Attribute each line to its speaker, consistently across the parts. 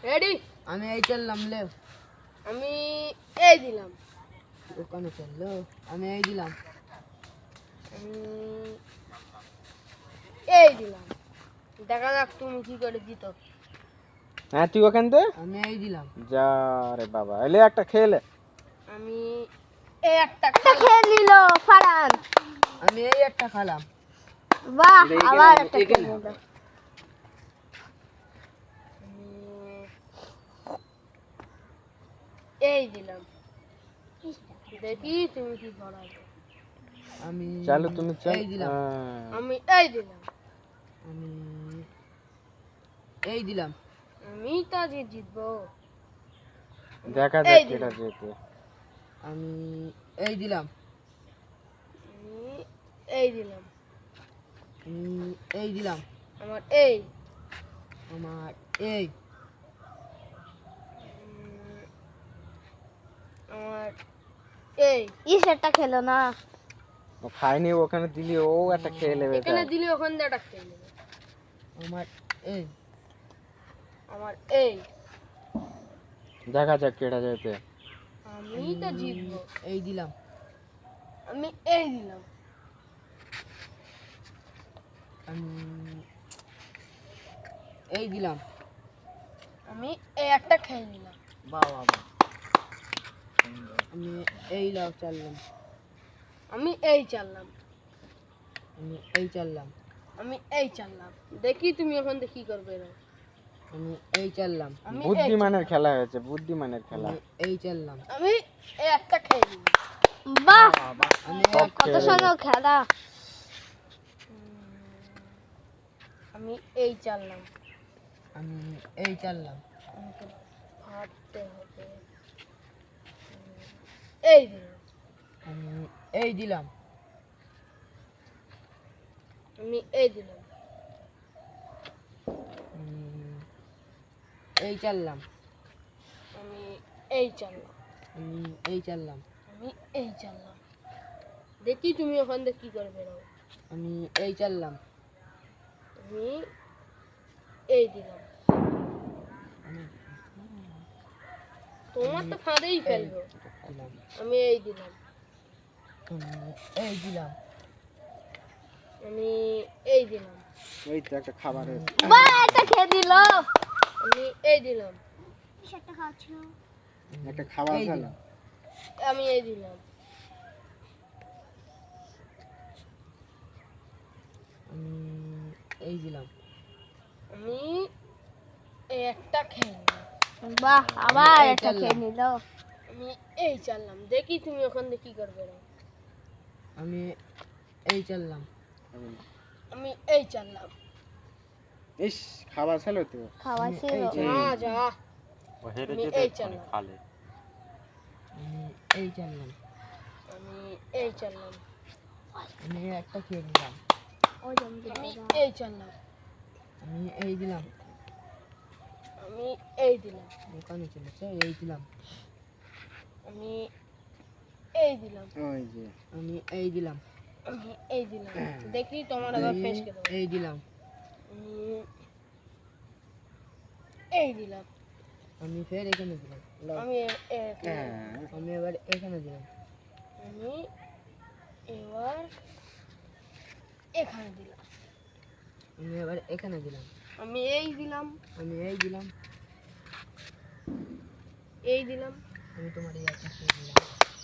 Speaker 1: Ready?
Speaker 2: আমি এই চললাম লে।
Speaker 1: আমি এই দিলাম।
Speaker 2: দোকানে চললো। আমি এই দিলাম।
Speaker 1: আমি এই দিলাম। দেখা যাক তুমি কি করে জিতো।
Speaker 3: হ্যাঁ তুই ওখান থেকে
Speaker 2: আমি এই দিলাম।
Speaker 3: যা রে বাবা, এলে একটা খেলে।
Speaker 1: আমি এই একটা খেয়ে নিল ফারান।
Speaker 2: আমি এই একটা খালাম।
Speaker 1: বাহ, আবার একটা খেয়ে নিল। এই দিলাম। দেখি তুমি কি করো।
Speaker 2: আমি
Speaker 3: চলো তুমি চল।
Speaker 2: এই দিলাম।
Speaker 1: আমি এই দিলাম।
Speaker 2: আমি এই দিলাম।
Speaker 1: আমি তো আজ জিতবো।
Speaker 3: দেখা
Speaker 1: এই
Speaker 3: যাক
Speaker 1: দিলাম।
Speaker 3: কেটা যেতে।
Speaker 2: আমি এই দিলাম।
Speaker 1: আমি এই দিলাম।
Speaker 2: আমি এই দিলাম।
Speaker 1: আমার এই।
Speaker 2: আমার এই।
Speaker 1: আমার এই। ইসেরটা খেলো না।
Speaker 3: ও খাইনি, ওখানে দিলি ও একটা খেয়ে নেবে।
Speaker 1: এখানে দিলি ওখান দিয়ে একটা খেয়ে নেবে।
Speaker 2: আমার এই।
Speaker 1: আমার এই।
Speaker 3: দেখা যাক কেটা যেতে।
Speaker 1: আমি তো জিতবো।
Speaker 2: এই দিলাম।
Speaker 1: আমি এই দিলাম।
Speaker 2: আমি এই দিলাম।
Speaker 1: আমি এই একটা খেয়ে নিলাম।
Speaker 2: বাবা আমি এই লাভ চাললাম।
Speaker 1: আমি এই চাললাম।
Speaker 2: আমি এই চাললাম।
Speaker 1: আমি এই চাললাম। দেখি তুমি ওখান থেকে কি করবে।
Speaker 2: আমি এই চাললাম।
Speaker 1: আমি
Speaker 3: বুদ্ধিমানের খেলা হয়েছে, বুদ্ধিমানের খেলা।
Speaker 2: আমি এই চাললাম।
Speaker 1: আমি এই একটা খেয়ে নিলাম। বাহ,
Speaker 2: আমি
Speaker 3: সব
Speaker 1: কত
Speaker 3: খেয়ে
Speaker 1: সুন্দর খেলা। আমি এই চাললাম।
Speaker 2: আমি এই চাললাম।
Speaker 1: আমাকে ভাবতে হবে। এই দিলাম।
Speaker 2: আমি এই দিলাম।
Speaker 1: আমি এই দিলাম।
Speaker 2: এই চাললাম।
Speaker 1: আমি এই চাললাম।
Speaker 2: আমি এই চাললাম।
Speaker 1: আমি এই চাললাম। দেখি তুমি ওখান থেকে কি করে বেরো।
Speaker 2: আমি এই চাললাম।
Speaker 1: আমি এই দিলাম। তোমার তো ফাঁদেই ফেলবো।
Speaker 2: দিলাম।
Speaker 1: আমি এই দিলাম।
Speaker 2: আমি এই দিলাম।
Speaker 1: আমি এই দিলাম।
Speaker 3: ওই তো একটা খাবার হয়েছে।
Speaker 1: বাহ, এটা খেয়ে দিল। আমি এই দিলাম। সেটা খাচ্ছো।
Speaker 3: একটা খাবার
Speaker 2: এই
Speaker 3: খেলা।
Speaker 2: দিলাম।
Speaker 1: আমি এই দিলাম।
Speaker 2: আমি এই দিলাম।
Speaker 1: আমি এই একটা খেয়ে নিলাম। বাহ, আবার
Speaker 2: এই
Speaker 1: একটা খেয়ে
Speaker 2: চাললাম।
Speaker 1: নিল। আমি এই চাললাম। দেখি তুমি ওখান থেকে কি করবে।
Speaker 2: আমি এই চাললাম।
Speaker 1: আমি এই চাললাম।
Speaker 3: ইস, খাবার ছিল তো।
Speaker 1: খাওয়া ছিল
Speaker 2: এই
Speaker 1: না যা। আমি এই চাললাম।
Speaker 2: আমি এই চাললাম।
Speaker 1: আমি এই চাললাম।
Speaker 2: আমি একটা খেয়ে নিলাম।
Speaker 1: আমি এই চাললাম।
Speaker 2: আমি এই দিলাম।
Speaker 1: আমি এই দিলাম।
Speaker 2: দোকানে চলেছে এই দিলাম।
Speaker 1: আমি এই দিলাম।
Speaker 3: ওই যে
Speaker 2: আমি এই দিলাম।
Speaker 1: আমি এই দিলাম। দেখি তোমার আবার ফেস কে দেবো।
Speaker 2: এই দিলাম।
Speaker 1: আমি এই দিলাম।
Speaker 2: আমি ফের এখানে দিলাম। লাও।
Speaker 1: আমি
Speaker 2: আমি এবার এখানে দিলাম।
Speaker 1: আমি এবার এখানে দিলাম।
Speaker 2: আমি এবার এখানে দিলাম।
Speaker 1: আমি এই দিলাম।
Speaker 2: আমি এই দিলাম।
Speaker 1: এই দিলাম।
Speaker 2: আমি তোমার এই একটা খেয়ে দিলাম।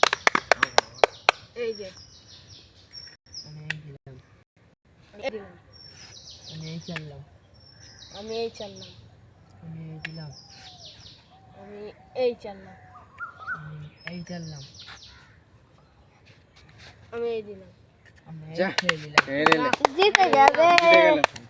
Speaker 1: এই যে
Speaker 2: আমি এই দিলাম।
Speaker 1: এই দিলাম।
Speaker 2: আমি এই চাললাম।
Speaker 1: আমি এই চাললাম।
Speaker 2: আমি এই দিলাম।
Speaker 1: আমি এই চাললাম।
Speaker 2: আমি এই চাললাম।
Speaker 1: আমি এই দিলাম।
Speaker 2: আমি
Speaker 3: যা।
Speaker 2: এই খেয়ে দিলাম।
Speaker 3: খেয়ে নিলে।
Speaker 1: জিতে যাবে।
Speaker 3: জিতে গেল।